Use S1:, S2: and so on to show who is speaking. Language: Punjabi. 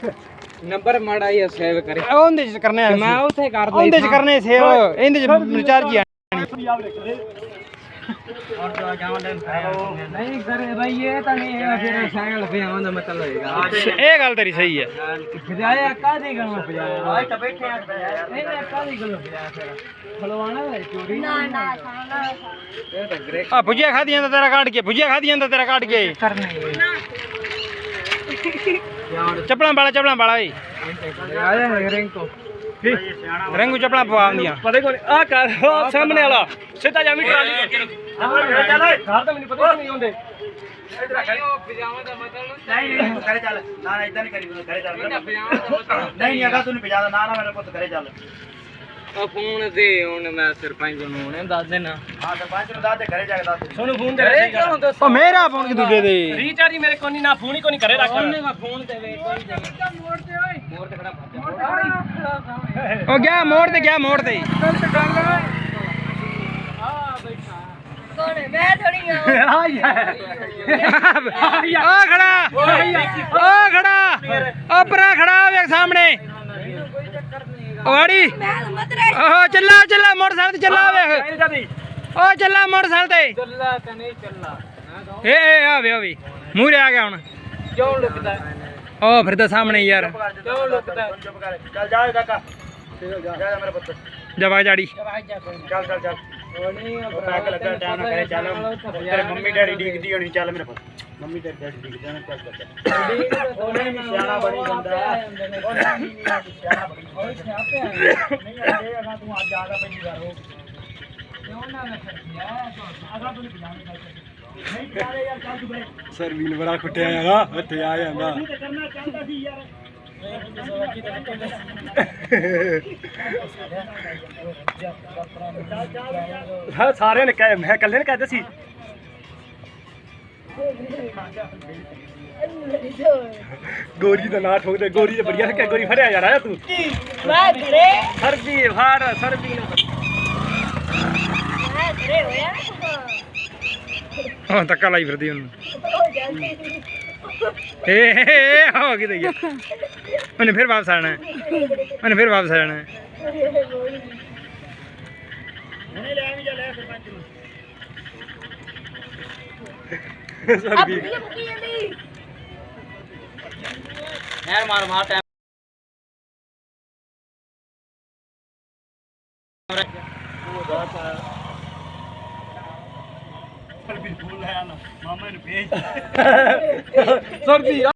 S1: नंबर माड़ा ही सेव करे
S2: ਉਹਦੇ ਚ ਕਰਨੇ ਆ
S1: मैं उसे कर दी
S2: ਉਹਦੇ ਚ ਕਰਨੇ ਸੇਵ ਇਹਦੇ ਚ ਰਿਚਾਰਜ ਹੀ
S1: नहीं करे भाई ये तो नहीं है फिर साइकिल पे आना मतलब होएगा
S2: ਇਹ ਗੱਲ ਤੇਰੀ ਸਹੀ ਹੈ
S1: बजाया कादी गल बजाया आज तो बैठे हैं नहीं नहीं कादी गल बजाया फिर खलवाना है चोरी ना ना ये तो ग्रे
S2: ਆ ਭੁਜੀਆ ਖਾਦੀ ਜਾਂਦਾ ਤੇਰਾ ਕੱਢ ਕੇ ਭੁਜੀਆ ਖਾਦੀ ਜਾਂਦਾ ਤੇਰਾ ਕੱਢ ਕੇ
S1: करने
S2: ਚੱਪਲਾਂ ਵਾਲਾ ਓਏ
S1: आया है रिंग को
S2: ਰੰਗੂ ਚੱਪਲਾਂ ਪਵਾ ਆਉਂਦੀਆਂ
S1: पता कौन आ कर सामने वाला सीधा जा मिट वाली घर तो मैंने पता नहीं होंगे पजामा का मतलब
S3: नहीं करे चल ना ना इतना नहीं करी करे चल नहीं अगर तू नहीं बजा ना ना मेरे पुत करे चल
S1: फोन दे हुन मैं सरपंच ਨੂੰ ਨੇ ਦੱਸ ਦੇਣਾ
S3: हां सरपंच ਨੂੰ ਦੱਸ ਦੇ ਘਰੇ ਜਾ ਕੇ ਦੱਸ ਦੇ
S1: ਸੋਨੂੰ ਫੋਨ ਦੇ ਕਿਉਂ ਦੱਸ
S2: ਉਹ ਮੇਰਾ ਫੋਨ ਕਿ ਦੂਜੇ ਦੇ
S1: ਰੀਚਾਰਜ ਮੇਰੇ ਕੋਲ ਨਹੀਂ ਨਾ ਫੋਨ ਹੀ ਕੋਈ ਨਹੀਂ ਕਰੇ ਰੱਖ ਉਹਨੇ ਮੈਂ ਫੋਨ ਤੇ ਵੇ ਕੋਈ ਮੋੜ ਤੇ ਓਏ ਮੋੜ ਤੇ ਖੜਾ
S2: ਉਹ ਗਿਆ ਮੋੜ ਤੇ
S4: ਕੌਣ ਹੈ ਮੈਂ ਥੋੜੀ ਆ
S2: ਆ ਖੜਾ ਉਹ ਪਰਾ ਖੜਾ ਵੇਖ ਸਾਹਮਣੇ ਵਾੜੀ
S4: ਮੈਂ ਮਤ ਰਹਿ
S2: ਓਹ ਚੱਲਾ ਮੋਟਰਸਾਈਕਲ ਤੇ ਚੱਲਾ ਵੇਖ ਓ ਚੱਲਾ ਮੋਟਰਸਾਈਕਲ ਤੇ
S1: ਚੱਲਾ ਤਾਂ ਨਹੀਂ ਚੱਲਾ
S2: ਏ ਆ ਵੇ ਮੂਹਰੇ ਆ ਗਿਆ ਹੁਣ
S1: ਕਿਉਂ ਲੁਕਦਾ
S2: ਉਹ ਫਿਰਦਾ ਸਾਹਮਣੇ ਯਾਰ
S1: ਕਿਉਂ ਲੁਕਦਾ
S3: चुप कर चल जा काका जा मेरे पुत
S2: ਜਵਾ ਜਾੜੀ
S3: चल चल चल ਉਹ ਪੈਕ ਲੱਗਾ ਟਾਈਮ ਨਾਲ ਕਰੇ ਚੱਲ ਤੇਰੇ ਮੰਮੀ ਡੈਡੀ ਡੀਕਦੀ ਹੋਣੀ ਚੱਲ ਮੇਰੇ ਪੁੱਤ ਮੰਮੀ ਡੈਡੀ ਡੀਕਦੇ ਨੇ ਚੱਲ ਉਹਨੇ ਵੀ ਸਿਆਣਾ ਬਣੀ ਜਾਂਦਾ ਉਹਨੇ ਵੀ ਸਿਆਣਾ ਬਣੀ ਨਹੀਂ ਆਏ ਅਗਾ ਤੂੰ ਅੱਜ ਆਗਾ ਪਹਿਲੀ ਵਾਰ ਹੋ ਕਿਉਂ ਨਾ ਰੱਖਿਆ ਅਗਾ ਤੂੰ ਨਹੀਂ ਪਜਾਣੇ ਨਹੀਂ ਚਾਰੇ ਯਾਰ ਚੱਲ ਤੂੰ ਬਰੇ
S2: ਸਰਵੀਨ ਬੜਾ ਖੁੱਟਿਆ ਹੈਗਾ ਇੱਥੇ ਆ ਜਾਂਦਾ
S3: ਤੂੰ ਤੇ ਕਰਨਾ ਚਾਹੁੰਦਾ ਸੀ ਯਾਰ
S2: ਹਾਂ ਸਾਰਿਆਂ ਨੇ ਕਹੇ ਮੈਂ ਇਕੱਲੇ ਨੇ ਕਹਿੰਦਾ ਸੀ ਗੋਰੀ ਦਾ ਨਾਂ ਠੋਕਦੇ ਗੋਰੀ ਤੇ ਬੜੀਆ ਕਿ ਗੋਰੀ ਫੜਿਆ ਯਾਰ ਆਇਆ ਤੂੰ
S4: ਮੈਂ ਘਰੇ
S2: ਸਰਬੀ ਭਾਰ ਸਰਬੀ
S4: ਮੈਂ ਘਰੇ ਹੋਇਆ
S2: ਹਾਂ ਧੱਕਾ ਲਾਈ ਫਿਰਦੀ ਉਹਨੂੰ
S4: ਹੋ ਜਾਂਦੀ
S2: ਏ ਹੋ ਗਈ ਦਈਆ ਉਹਨੇ ਫਿਰ ਵਾਪਸ ਆਣਾ ਉਹਨੇ ਵਾਪਸ ਆਣਾ
S3: ਨਹੀਂ ਲੈ ਵੀ ਜਾ ਲੈ ਸਰਪੰਚ ਨੂੰ
S2: ਸਰਬੀ
S4: ਆਪਣੀ ਮੁੱਕੀ ਜਾਂਦੀ
S1: ਯਾਰ ਮਾਰ ਟਾਈਮ
S3: ਬਿਲਕੁਲ ਲੈ ਆਣਾ ਮਾਮਾ ਨੂੰ ਭੇਜ
S2: ਸਰਬੀ